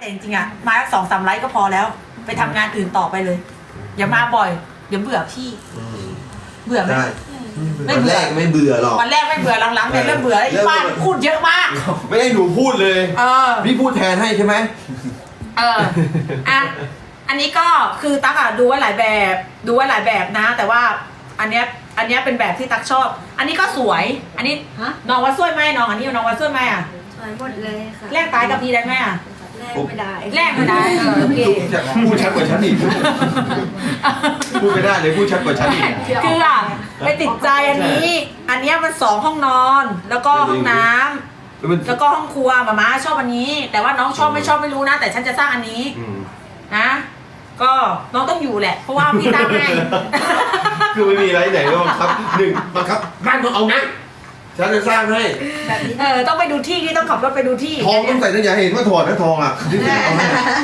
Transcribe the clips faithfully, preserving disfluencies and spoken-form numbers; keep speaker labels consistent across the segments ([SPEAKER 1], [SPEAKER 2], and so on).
[SPEAKER 1] แต่จริงๆอ่ะมาสองสามไลฟ์ก็พอแล้วไปทำงานอื่นต่อไปเลยอย่ามาบ่อยเดี๋ยวเบื่อพี่เบื่อไหม
[SPEAKER 2] ได้
[SPEAKER 1] ไม่
[SPEAKER 2] วัน
[SPEAKER 1] เบื่
[SPEAKER 2] แร
[SPEAKER 1] อก
[SPEAKER 2] ไม่เบื่อหรอก
[SPEAKER 1] วันแรกไม่เบื่อหลังๆเนี่ยเริ่มเบื่อแล้วอีป้าพูดเยอะมาก
[SPEAKER 2] ไม่ให้หนูพูดเลย
[SPEAKER 1] เออ
[SPEAKER 2] พี่พูดแทนให้ใช่ไหม
[SPEAKER 1] เอออ่ะอันนี้ก็คือตั๊กอ่ะดูไว้หลายแบบดูไว้หลายแบบนะ แต่ว่าอันเนี้ยอันเนี้ยเป็นแบบที่ตั๊กชอบ อันนี้ก็สวย อันนี้
[SPEAKER 3] ฮะ
[SPEAKER 1] น้องว่าสวยไหมน้องอันนี้น้องว่าสวยไหมอ่ะ
[SPEAKER 3] สวยหมดเลยค่ะ
[SPEAKER 1] แลกตายกับพี่ได้ไหมอ่ะ
[SPEAKER 3] แลกไม่ได้
[SPEAKER 1] แลกไม่ได้เออโอเค
[SPEAKER 2] พูดชัดกว่าฉันอีกพูดไม่ได้เลยพูดชัดกว่าฉันอีก
[SPEAKER 1] คืออ่ะไปติดใจอันนี้ อันเนี้ยมันสองห้องนอน แล้วก็ห้องน้ำ
[SPEAKER 2] แล้วมัน
[SPEAKER 1] แล้วก็ห้องครัวหมาม้าชอบอันนี้ แต่ว่าน้องชอบไม่ชอบไม่รู้นะ แต่ฉันจะสร้างอันนี้
[SPEAKER 2] อืม
[SPEAKER 1] นะ ก็น้องต้องอยู่แหละ เพราะว่าพี่สร้างให้
[SPEAKER 2] คือไม่มีอะไรไหนก็บังคับหนึ่งบังคับบ้านต้องเอานะฉันจะสร้างให้
[SPEAKER 1] แบบนี้เออต้องไปดูที่ที่ต้องขับรถไปดูที่
[SPEAKER 2] ทองต้องใส่ตั้งอย่าเห็นว่าถอดนะทองอ่ะที่ถึงเอาให้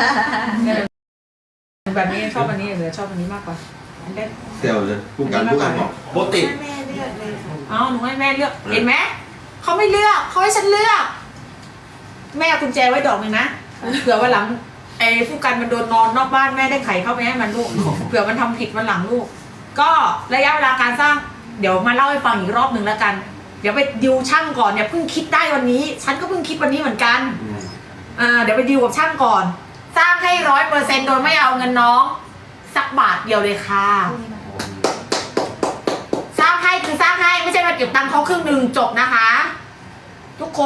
[SPEAKER 1] แบบนี้ชอบอันนี้เหลือชอบอันนี้มากกว่าอันเล็ก
[SPEAKER 2] เดี๋ยวเลยผู้การผู้การบอกโบติ
[SPEAKER 3] แม่เลือกเลยค่ะ
[SPEAKER 1] อ๋อหนูให้แม่เลือกเห็นไหมเขาไม่เลือกเขาให้ฉันเลือก แม่เอากุญแจไว้ดอกหนึ่งนะเผื่อวันหลังไอ้ผู้กันมันโดนนอนนอกบ้านแม่ได้ไขเข้าไปให้มันลูกเผื่อมันทำผิดวันหลังลูก ก็ระยะเวลาการสร้าง เดี๋ยวมาเล่าให้ฟังอีกรอบหนึ่งแล้วกัน เดี๋ยวไปดิวช่างก่อนเนี่ยเพิ่งคิดได้วันนี้ ฉันก็เพิ่งคิดวันนี้เหมือนกันอ่าเดี๋ยวไปดิวกับช่างก่อน สร้างให้ร้อยเปอร์เซ็นต์โดยไม่เอาเงินน้องสักบาทเดียวเลยค่ะ สร้างให้คือสร้างให้ไม่ใช่มาเก็บตังค์เขาครึ่งหนึ่งจบนะคะ ทุกคน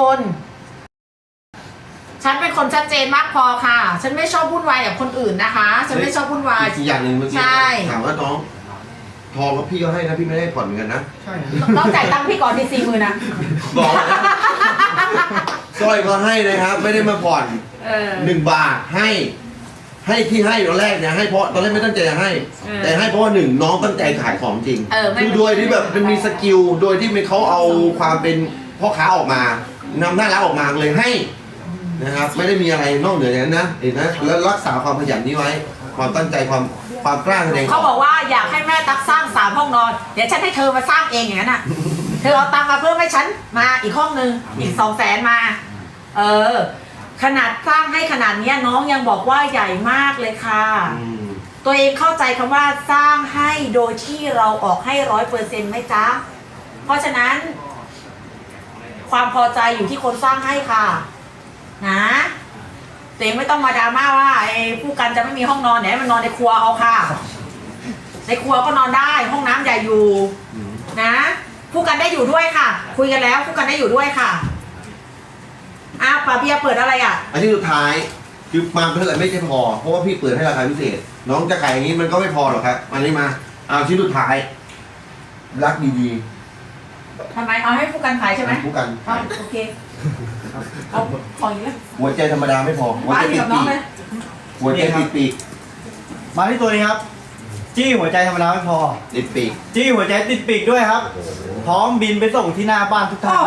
[SPEAKER 1] ฉันเป็นคนชัดเจนมากพอค่ะ ฉันไม่ชอบวุ่นวายกับคนอื่นนะคะ ฉันไม่ชอบวุ่นวาย
[SPEAKER 2] อีกอย่างหนึ่งเมื่อกี้
[SPEAKER 1] ใช่
[SPEAKER 2] ถามว่าน้องทองก็พี่ก็ให้นะพี่ไม่ได้ผ่อนเหมือนกันนะ
[SPEAKER 1] ต้องจ่ายตังค์พี่ก่อนที่สี่หมื่นนะ
[SPEAKER 2] บอกนะสร้อยก็ให้นะครับ ไม่ได้มาผ่อน
[SPEAKER 1] เออ
[SPEAKER 2] หนึ่งบาทให้ ให้ที่ให้ตอนแรกเนี่ยให้เพราะตอนแรกไม่ตั้งใจจะให้
[SPEAKER 1] เออ
[SPEAKER 2] แต่ให้เพราะว่าหนึ่งน้องตั้งใจขายของจริง
[SPEAKER 1] เออไม่
[SPEAKER 2] คือโดยที่แบบมันมีสกิลโดยที่มันเขาเอาความเป็นพ่อค้าออกมานำหน้าร้านออกมาเลยให้นะครับ ไม่ได้มีอะไรนอกเหนือจากนั้นนะเห็นนะแล้วรักษาความขยันนี้ไว้ ความตั้งใจความความกล้าแสดง
[SPEAKER 1] เขาบอกว่าอยากให้แม่ตักสร้างสามห้องนอน เดี๋ยวฉันให้เธอมาสร้างเองอย่างนั้นอ่ะ เธอเอาตังค์มาเพิ่มให้ฉันมาอีกห้องนึงอีกสองแสนมา เออ ขนาดสร้างให้ขนาดเนี้ยน้องยังบอกว่าใหญ่มากเลยค่ะ
[SPEAKER 2] อืม
[SPEAKER 1] ตัวเองเข้าใจคำว่าสร้างให้โดยที่เราออกให้ร้อยเปอร์เซ็นต์ไหมจ๊ะ เพราะฉะนั้น ความพอใจอยู่ที่คนสร้างให้ค่ะ นะตัวเองไม่ต้องมาดราม่าว่าไอ้ผู้กันจะไม่มีห้องนอนเนี่ยมันนอนในครัวเอาค่ะ ในครัวก็นอนได้ห้องน้ำใหญ่อยู่
[SPEAKER 2] อืม
[SPEAKER 1] นะผู้กันได้อยู่ด้วยค่ะ คุยกันแล้วผู้กันได้อยู่ด้วยค่ะอ้าวป้าเบียร์เปิดอะไรอ่ะ
[SPEAKER 2] อันที่สุดท้ายคือมาเท่าไหร่ไม่ใช่พอเพราะว่าพี่เปิดให้ราคาพิเศษ น้องจะขายอย่างนี้มันก็ไม่พอหรอกครับอันนี้มาเอาชิ้นสุดท้าย รักดี
[SPEAKER 1] ทำไมเอาให้ผู้กันขาย
[SPEAKER 2] ๆ
[SPEAKER 1] ใช่ไหม
[SPEAKER 2] ผู้กัน
[SPEAKER 1] เอาโอเคเอาของอีกแล้ว
[SPEAKER 2] หัวใจธรรมดาไม่พอหัว
[SPEAKER 1] ป้า
[SPEAKER 2] ใจ
[SPEAKER 1] อยู่
[SPEAKER 2] ติด
[SPEAKER 1] กับน้
[SPEAKER 2] ปี
[SPEAKER 1] อง
[SPEAKER 2] ก
[SPEAKER 1] เลย
[SPEAKER 2] หัวใจติดปีก
[SPEAKER 4] มาที่ตัวนี้ครับ จี้หัวใจธรรมดาไม่พอ
[SPEAKER 2] ติดปีก
[SPEAKER 4] จี้หัวใจติดปีกด้วยครับ พร้อมบินไปส่งที่หน้าบ้านทุกท่าน
[SPEAKER 1] โอ้โห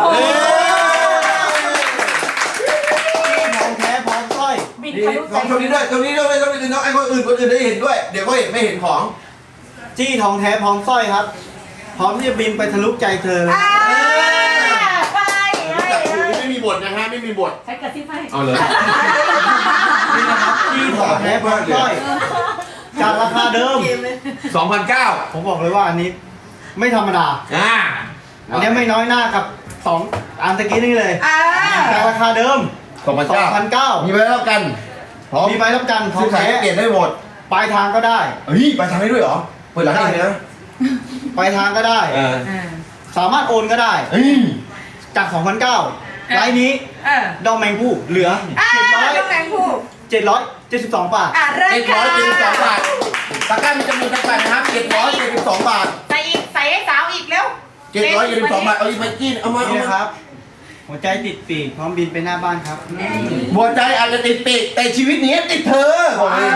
[SPEAKER 4] จี้ทองแท้พร้อมสร้อย
[SPEAKER 1] บิน
[SPEAKER 2] นี่
[SPEAKER 1] ทะลุ
[SPEAKER 2] ขอ
[SPEAKER 1] ใจ
[SPEAKER 2] งตรงนี้ด้วยตรงนี้ด้วยตรงนี้น้องไอ้คนอื่นคนอื่นได้เห็นด้วย เดี๋ยวก็เห็นไม่เห็นของ
[SPEAKER 4] จี้ทองแท้พร้อมสร้อยครับ พร้อมที่จะบินไปทะลุใจเธอเลย
[SPEAKER 1] อ่าไปให้
[SPEAKER 2] แต่คุณ
[SPEAKER 1] ให้
[SPEAKER 2] ไม่มีบทนะฮะไม่มีบท
[SPEAKER 1] ใช้กระซิบให้
[SPEAKER 2] เอาเลย
[SPEAKER 4] นี่นะครับจี้ทองแท้พร้อมสร้อยจากราคาเดิม
[SPEAKER 2] สองพันเก้า
[SPEAKER 4] ผมบอกเลยว่าอันนี้ไม่ธรรมดา
[SPEAKER 2] อ่า
[SPEAKER 4] อันนี้ไม่น้อยหน้ากับสองอันตะกี้นี่เลย
[SPEAKER 1] อ่า
[SPEAKER 4] จากราคาเดิม
[SPEAKER 2] สองพันเก้า
[SPEAKER 4] สองพันเก้า
[SPEAKER 2] มีใบรับกันพร้อม
[SPEAKER 4] มีใบรับประกันทอ
[SPEAKER 2] ซื้
[SPEAKER 4] ง
[SPEAKER 2] อขาย
[SPEAKER 4] แท้
[SPEAKER 2] เปลี่ยนได้หมด
[SPEAKER 4] ปลายทางก็ได้
[SPEAKER 2] เฮ้ยไปทางให้ด้วยเหรอเปิดร้านเองเลยนะ
[SPEAKER 4] ปลายทางก็ได้
[SPEAKER 2] เออ
[SPEAKER 1] อ่า
[SPEAKER 4] สามารถโอนก็ได้
[SPEAKER 2] เฮ้ย
[SPEAKER 4] จาก สองพันเก้า ไลน์นี้
[SPEAKER 1] เออ
[SPEAKER 4] ดอกแมงผู้เหลือ
[SPEAKER 1] อ่าต้องแบ่งผู้
[SPEAKER 4] เจ็ดร้อยเจ็ดสิบสองบาท
[SPEAKER 1] อ่าเริ่ม
[SPEAKER 2] เจ็ดร้อยเจ็ดสิบสองบาทตะกร้ามีจำนวนจำกัดนะครับเจ็ดร้อยเจ็ดสิบสองบาท
[SPEAKER 1] ใส่อีกใส่ให้สาวอีกเร็ว
[SPEAKER 2] เจ็ดร้อยเจ็ดสิบสองบาทเอาอีกไปกินเอามาเอา
[SPEAKER 4] นี่นะค
[SPEAKER 2] มา
[SPEAKER 4] รับ หัวใจติดปีกพร้อมบินไปหน้าบ้านครับ
[SPEAKER 2] หัวใจอาจจะติดปีกแต่ชีวิตนี้ติดเธอบอกเลย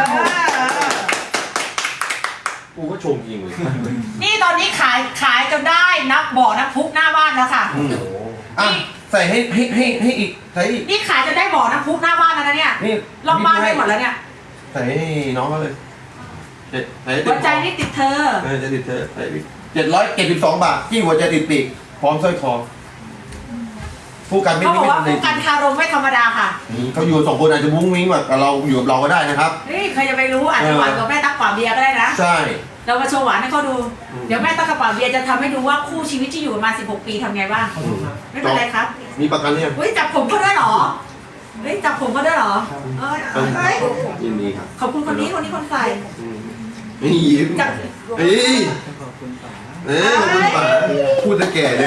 [SPEAKER 2] กูก็ชมจริงเลย
[SPEAKER 1] นี่ตอนนี้ขายขายจนได้นับบ่อนับพุกหน้าบ้านแล้วค่ะ
[SPEAKER 2] อืมอ่ะใส่ให้ให้ให้ให้อีกใส่อีก
[SPEAKER 1] นี่ขายจนได้บ่อน้ำพุหน้าบ้านแล้วนะเนี่ย
[SPEAKER 2] นี่
[SPEAKER 1] รอบบ้านได้หมดแล้วเนี่ย
[SPEAKER 2] ใส่ให้น้องเขาเลยเจ็ดใส่ให้ติ
[SPEAKER 1] หั
[SPEAKER 2] ด
[SPEAKER 1] วใจนี่ติดเธอ
[SPEAKER 2] เออจะติดเธอใส่เจ็ดร้อยเจ็ดสิบสองบาทที่หัวใจติดปีกพร้อมสร้อยคอผู้กันไม่
[SPEAKER 1] เขาบอก
[SPEAKER 2] ไม่
[SPEAKER 1] ว่า
[SPEAKER 2] ทำใน
[SPEAKER 1] ผู้กันคารมไม่ธรรมดาค่ะ
[SPEAKER 2] อืมเขาอยู่สองคนอาจจะมุ้งมิ้งแบบกับเราอยู่กับเราก็ได้นะครับ
[SPEAKER 1] เฮ้ยใครจะไปรู้อาจจะหวานกับแม่ตักกว่าเบียร์ก็ได้นะ
[SPEAKER 2] ใช่
[SPEAKER 1] เรามาโชว์หวานให้เขาดู
[SPEAKER 2] อืม
[SPEAKER 1] เดี๋ยวแม่ตักกระป๋าเบียร์จะทำให้ดูว่าคู่ชีวิตที่อยู่มาสิบหกปีทำไงบ้าง ไม่เป็นไรครับ
[SPEAKER 2] มีประกันเนี่ยง
[SPEAKER 1] เฮ้ยจับผมเขาด้วยเหรอ เฮ้ยจับผมเขาด้วยเหรอเอ้ยเอ้ย
[SPEAKER 2] ยินดีครับ
[SPEAKER 1] ขอบคุณคนนี้คนนี้คนใส่
[SPEAKER 2] อืมไม่ยิ้ม
[SPEAKER 1] จับ
[SPEAKER 2] เอ้ยเอ้ยขอบคุณป๋าพูดจะแก่เลย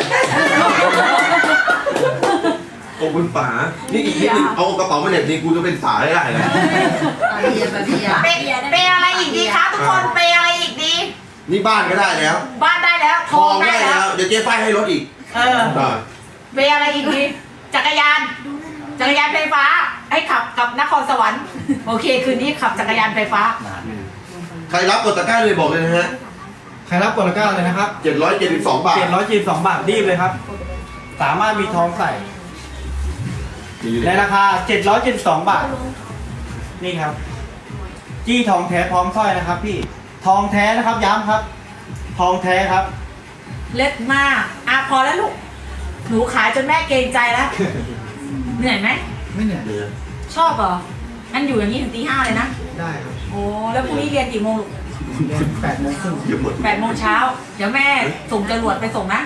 [SPEAKER 2] ขอบคุณป๋านี่อีกนิดนึงเอากระเป๋ามาเหน็บนี่กูจะเป็นสายได้เลย
[SPEAKER 1] เปเปอะไรอีกดีคะทุกคนเปอะไรอีกดี
[SPEAKER 2] นี่บ้านก็ได้แล้ว
[SPEAKER 1] บ้านได้แล้วท
[SPEAKER 2] ท
[SPEAKER 1] อ
[SPEAKER 2] อง ง
[SPEAKER 1] ได้
[SPEAKER 2] ได้
[SPEAKER 1] แล้
[SPEAKER 2] แล้ว ว เดี๋ยวเจ๊ฝ้ายให้รถอีก
[SPEAKER 1] เออ
[SPEAKER 2] ได้
[SPEAKER 1] เปอะไรอีกดีจักรยาน จักรยานไฟฟ้า ให้ขับกับนครสวรรค์โอเคคืนนี้ขับจักรยานไฟฟ้า
[SPEAKER 2] ใครรับกดตะกร้าเลยบอกเลยนะฮะ
[SPEAKER 4] ใครรับกดตะกร้าเลยนะครับ
[SPEAKER 2] เจ็ดร้อยเจ็ดสิบสองบาท
[SPEAKER 4] เจ็ดร้อยจีบสองบาทรีบเลยครับ สามารถมีทองใส่ในราคาเจ็ดร้อยเจ็ดสิบสองบาท นี่ครับ จี้ทองแท้พร้อมสร้อยนะครับ พี่ทองแท้นะครับย้ำครับ ทองแท้ครับ
[SPEAKER 1] เล็ดมากอ่ะพอแล้วลูก หนูขายจนแม่เกรงใจแล้ว เหนื่อยไหม
[SPEAKER 4] ไม่เหนื่อย
[SPEAKER 2] เนี่ย
[SPEAKER 1] ชอบเหรองั้นอยู่อย่างนี้ถึงตีห้าเลยนะ
[SPEAKER 4] ได้ครับ
[SPEAKER 1] โอ้แล้วพรุ่งนี้เรียนกี่โมงลูก
[SPEAKER 4] เรียนแปดโมงครึ่ง
[SPEAKER 2] เดี๋ยวหมด
[SPEAKER 1] แปดโมงเช้า เดี๋ยวแม่ส่งจรวดไปส่งนะ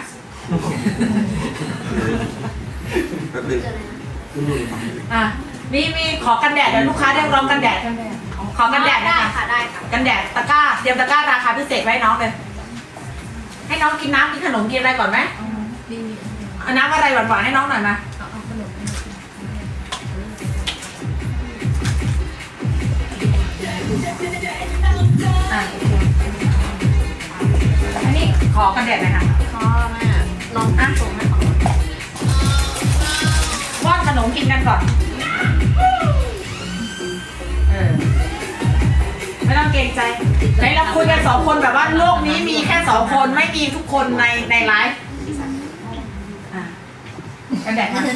[SPEAKER 2] แป๊บนึง
[SPEAKER 1] อ่ะ มีมีขอกันแดดเดี๋ยวลูกค้าได้ลองกันแดด ขอกันแดดนะคะ
[SPEAKER 3] ค่ะได้ค่ะ
[SPEAKER 1] กันแดดตะกร้า เตรียมตะกร้าราคาพิเศษไว้ให้น้องเลย ให้น้องกินน้ำกินขนมกินอะไรก่อนไหมเอาน้ำอะไรหวานๆให้น้องหน่อยมา อ่ะอันนี้ขอกันแดดหน่อยค่ะ
[SPEAKER 3] พ่อแม่ลองอ่ะส่งให้
[SPEAKER 1] ป้อนขนมกินกันก่อน เออ ไม่ต้องเกรงใจไหนเราคุยกันสองคนแบบว่าโลกนี้มีแค่สองคนไม่มีทุกคนในในไลฟ์อ่ะกันแดดมา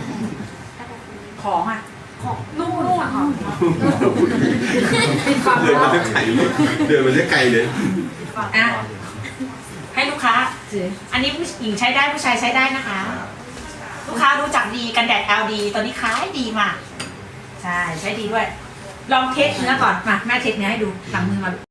[SPEAKER 1] ของอ่ะ ของนู่นนู่นค่ะปิดฝั่ง
[SPEAKER 2] เดิน
[SPEAKER 1] แล้
[SPEAKER 2] มาว ได้ไกลเลยเดินมาได้ไกลเลย
[SPEAKER 1] อ่ะให้ลูกค้า อันนี้ผู้หญิงใช้ได้ผู้ชายใช้ได้นะคะ ลูกค้ารู้จักดีกันแดด แอล ดี ตอนนี้ขายดีมาก ใช่ใช้ดีด้วย ลองเทสเนื้อก่อน มาแม่เทสเนื้อให้ดูหลังมือมา